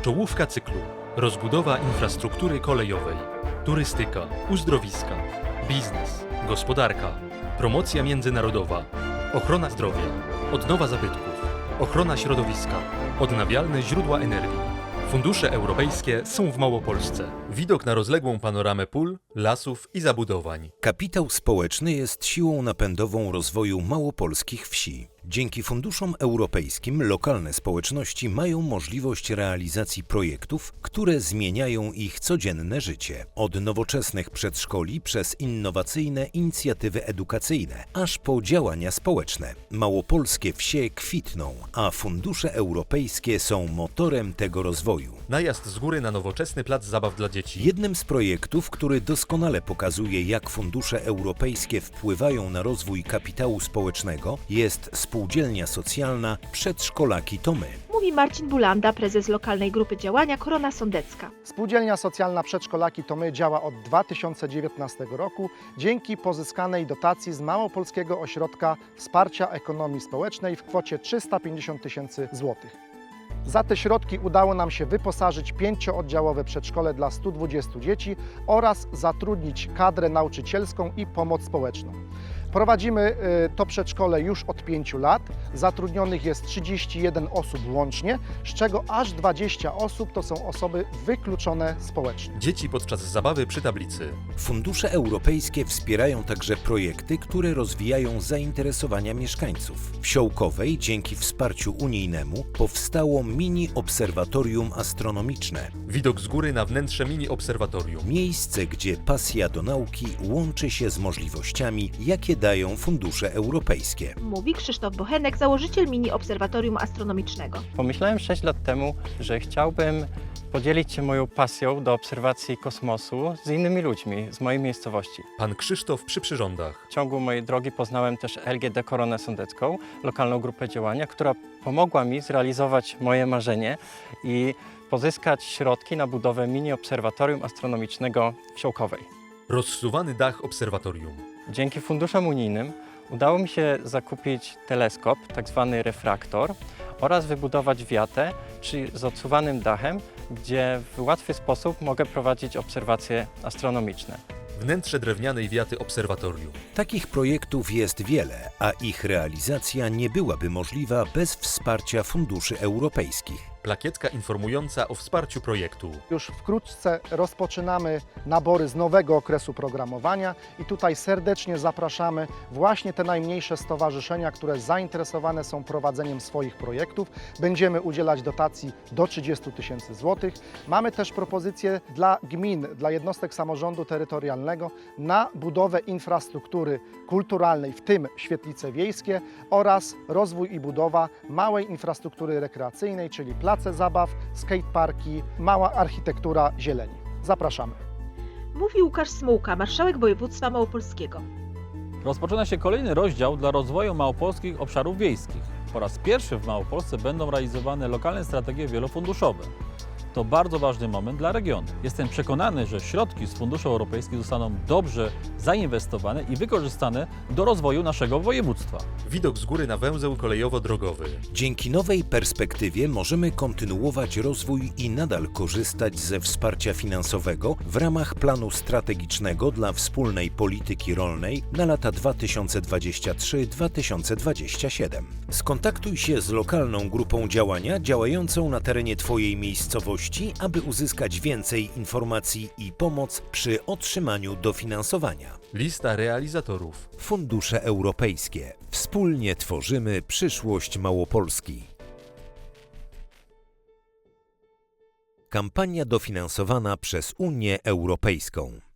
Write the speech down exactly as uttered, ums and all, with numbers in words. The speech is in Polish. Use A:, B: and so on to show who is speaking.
A: Czołówka cyklu. Rozbudowa infrastruktury kolejowej, turystyka, uzdrowiska, biznes, gospodarka, promocja międzynarodowa, ochrona zdrowia, odnowa zabytków, ochrona środowiska, odnawialne źródła energii. Fundusze europejskie są w Małopolsce. Widok na rozległą panoramę pól, lasów i zabudowań.
B: Kapitał społeczny jest siłą napędową rozwoju małopolskich wsi. Dzięki funduszom europejskim lokalne społeczności mają możliwość realizacji projektów, które zmieniają ich codzienne życie. Od nowoczesnych przedszkoli przez innowacyjne inicjatywy edukacyjne, aż po działania społeczne. Małopolskie wsie kwitną, a fundusze europejskie są motorem tego rozwoju.
A: Najazd z góry na nowoczesny plac zabaw dla dzieci.
B: Jednym z projektów, który doskonale pokazuje, jak fundusze europejskie wpływają na rozwój kapitału społecznego, jest spółdzielnia socjalna Przedszkolaki to my.
C: Mówi Marcin Bulanda, prezes lokalnej grupy działania Korona Sądecka.
D: Spółdzielnia socjalna Przedszkolaki to my działa od dwa tysiące dziewiętnastego roku dzięki pozyskanej dotacji z Małopolskiego Ośrodka Wsparcia Ekonomii Społecznej w kwocie trzysta pięćdziesiąt tysięcy złotych. Za te środki udało nam się wyposażyć pięciooddziałowe przedszkole dla stu dwudziestu dzieci oraz zatrudnić kadrę nauczycielską i pomoc społeczną. Prowadzimy to przedszkole już od pięciu lat. Zatrudnionych jest trzydzieści jeden osób łącznie, z czego aż dwadzieścia osób to są osoby wykluczone społecznie.
A: Dzieci podczas zabawy przy tablicy.
B: Fundusze europejskie wspierają także projekty, które rozwijają zainteresowania mieszkańców. W Siołkowej dzięki wsparciu unijnemu powstało mini obserwatorium astronomiczne.
A: Widok z góry na wnętrze mini obserwatorium.
B: Miejsce, gdzie pasja do nauki łączy się z możliwościami, jakie dają fundusze europejskie.
C: Mówi Krzysztof Bochenek, założyciel mini obserwatorium astronomicznego.
E: Pomyślałem sześć lat temu, że chciałbym podzielić się moją pasją do obserwacji kosmosu z innymi ludźmi z mojej miejscowości.
A: Pan Krzysztof przy przyrządach.
E: W ciągu mojej drogi poznałem też L G D Koronę Sądecką, lokalną grupę działania, która pomogła mi zrealizować moje marzenie i pozyskać środki na budowę mini obserwatorium astronomicznego w Siołkowej.
A: Rozsuwany dach obserwatorium.
E: Dzięki funduszom unijnym udało mi się zakupić teleskop, tak zwany refraktor, oraz wybudować wiatę, czyli z odsuwanym dachem, gdzie w łatwy sposób mogę prowadzić obserwacje astronomiczne.
A: Wnętrze drewnianej wiaty obserwatorium.
B: Takich projektów jest wiele, a ich realizacja nie byłaby możliwa bez wsparcia funduszy europejskich.
A: Plakietka informująca o wsparciu projektu.
D: Już wkrótce rozpoczynamy nabory z nowego okresu programowania i tutaj serdecznie zapraszamy właśnie te najmniejsze stowarzyszenia, które zainteresowane są prowadzeniem swoich projektów. Będziemy udzielać dotacji do trzydziestu tysięcy złotych. Mamy też propozycje dla gmin, dla jednostek samorządu terytorialnego na budowę infrastruktury kulturalnej, w tym świetlice wiejskie, oraz rozwój i budowa małej infrastruktury rekreacyjnej, czyli place zabaw, skateparki, mała architektura zieleni. Zapraszamy.
C: Mówi Łukasz Smułka, marszałek województwa małopolskiego.
F: Rozpoczyna się kolejny rozdział dla rozwoju małopolskich obszarów wiejskich. Po raz pierwszy w Małopolsce będą realizowane lokalne strategie wielofunduszowe. To bardzo ważny moment dla regionu. Jestem przekonany, że środki z funduszy europejskich zostaną dobrze zainwestowane i wykorzystane do rozwoju naszego województwa.
A: Widok z góry na węzeł kolejowo-drogowy.
B: Dzięki nowej perspektywie możemy kontynuować rozwój i nadal korzystać ze wsparcia finansowego w ramach planu strategicznego dla wspólnej polityki rolnej na lata dwa tysiące dwudziesty trzeci do dwa tysiące dwudziestego siódmego. Skontaktuj się z lokalną grupą działania działającą na terenie Twojej miejscowości, aby uzyskać więcej informacji i pomoc przy otrzymaniu dofinansowania.
A: Lista realizatorów.
B: Fundusze europejskie. Wspólnie tworzymy przyszłość Małopolski. Kampania dofinansowana przez Unię Europejską.